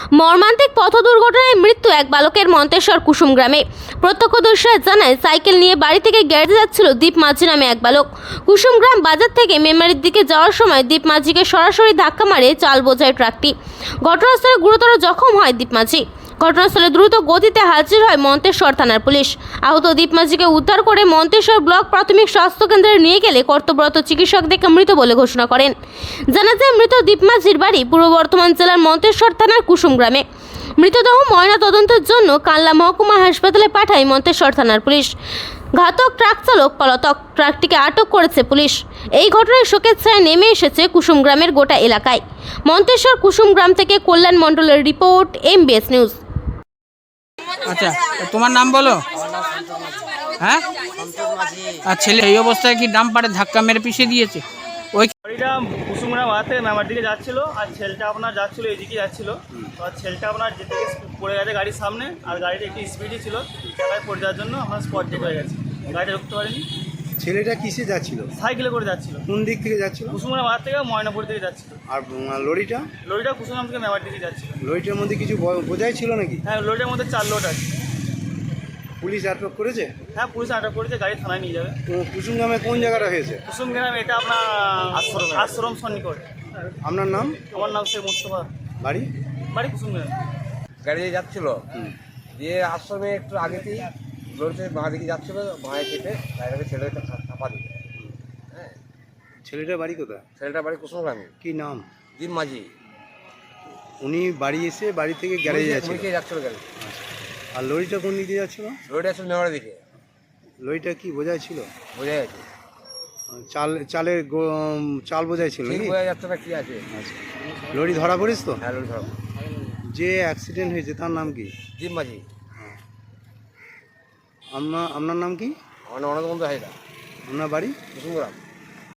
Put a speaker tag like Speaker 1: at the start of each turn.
Speaker 1: মর্মান্তিক পথ দুর্ঘটনায় মৃত্যু এক বালকের মন্তেশ্বর কুসুম গ্রামে। প্রত্যক্ষদর্শীরা জানায়, সাইকেল নিয়ে বাড়ি থেকে গ্যারেজে যাচ্ছিল দীপ মাঝি নামে এক বালক। কুসুম গ্রাম বাজার থেকে মেমারির দিকে যাওয়ার সময় দীপ মাঝিকে সরাসরি ধাক্কা মারে চাল বোঝাই ট্রাকটি। ঘটনাস্থলে গুরুতর জখম হয় দীপ মাঝি। ঘটনাস্থলে দ্রুত গতিতে হাজির হয় মন্তেশ্বর থানার পুলিশ। আহত দীপ মাঝিকে উদ্ধার করে মন্তেশ্বর ব্লক প্রাথমিক স্বাস্থ্য কেন্দ্রে নিয়ে গেলে কর্তব্যরত চিকিৎসক দেখে মৃত বলে ঘোষণা করেন। জানা যায়, মৃত দীপ মাঝির বাড়ি পূর্ব বর্ধমান জেলার মন্তেশ্বর থানার কুসুম গ্রামে। মৃতদেহ ময়না তদন্তের জন্য কানলা মহকুমা হাসপাতালে পাঠায় মন্তেশ্বর থানার পুলিশ। ঘাতক ট্রাক চালক পলাতক, ট্রাকটিকে আটক করেছে পুলিশ। এই ঘটনায় শোকের ছায়া নেমে এসেছে কুসুম গ্রামের গোটা এলাকায়। মন্তেশ্বর কুসুম গ্রাম থেকে কল্যাণ মণ্ডলের রিপোর্ট, MBS নিউজ।
Speaker 2: আচ্ছা, তোমার নাম বলো। হ্যাঁ, আর ছেলে এই অবস্থায় কি ডাম পাড়ে ধাক্কা মেরে পিছিয়ে দিয়েছে? ওই
Speaker 3: গাড়িটা কুসুমগ্রাম বাজার থেকে মেমার দিকে যাচ্ছিল, আর ছেলেটা আপনার যাচ্ছিল এইদিকে যাচ্ছিল। তো আর ছেলেটা আপনার যেতে গিয়ে পড়ে গেছে গাড়ির সামনে, আর গাড়িটা একটু স্পিডই ছিল, জায়গায় পড়ে যাওয়ার জন্য আমার স্পট ডেট হয়ে গেছে, গাড়িটা রুখতে পারেনি।
Speaker 4: ছেলেটা কিসে যাচ্ছিল?
Speaker 3: সাইকেলে করে যাচ্ছিল,
Speaker 4: কোন দিক থেকে যাচ্ছিল?
Speaker 3: কুসুমগ্রাম বাজার থেকে ময়নাপুর দিকে যাচ্ছিল।
Speaker 4: আর লরিটা?
Speaker 3: লরিটা কুসুমগ্রাম থেকে মেমার দিকে যাচ্ছিল।
Speaker 4: লরিটার মধ্যে কিছু বোঝাই ছিল নাকি?
Speaker 3: হ্যাঁ, লরিটার মধ্যে 4 লোড আছে।
Speaker 4: পুলিশ আটক করেছে?
Speaker 3: হ্যাঁ, পুলিশ আটক করেছে, গাড়ি থানায় নিয়ে যাবে।
Speaker 4: তো কুসুম গ্রামে কোন জায়গাটা হয়েছে?
Speaker 3: কুসুমগ্রাম এটা আপনার আশ্রম সন্নিকট।
Speaker 4: আপনার নাম?
Speaker 3: আমার নাম শেখ মুস্তফা,
Speaker 4: বাড়ি?
Speaker 3: বাড়ি কুসুমগ্রাম।
Speaker 5: গাড়িতে যাচ্ছিল, দিয়ে আশ্রমে একটু আগেতেই লড়তে বাঁ দিকে যাচ্ছিল, বাঁয়ে কেটে গাড়িটাকে ছেলেটাকে চাপা দিল। হ্যাঁ,
Speaker 4: ছেলেটার বাড়ি কোথায়?
Speaker 5: ছেলেটা বাড়ি কুসুমগ্রামে।
Speaker 4: কি নাম?
Speaker 5: দীপ মাঝি।
Speaker 4: উনি বাড়ি এসে বাড়ি থেকে গ্যারেজে যাচ্ছিল?
Speaker 5: মুড়িকে যাচ্ছিল গাড়ি।
Speaker 4: আর লরিটা কোন দিকে যাচ্ছিল?
Speaker 5: লড়িটা আসলে নেওয়ার দিকে।
Speaker 4: লরিটা কি বোঝাই ছিল?
Speaker 5: বোঝা যাচ্ছে,
Speaker 4: চাল বোঝাই ছিল
Speaker 5: ঠিক
Speaker 4: নাকি?
Speaker 5: বোঝা যাচ্ছে না কি আছে।
Speaker 4: আচ্ছা, লরি ধরা পড়িস তো?
Speaker 5: হ্যাঁ, লড়ি ধরো।
Speaker 4: যে অ্যাক্সিডেন্ট হয়েছে তার নাম কি?
Speaker 5: দীপ মাঝি।
Speaker 4: আপনার নাম কি?
Speaker 5: আমার অনেক বন্ধু হয় না।
Speaker 4: আপনার বাড়ি?
Speaker 5: কুসুমগ্রাম।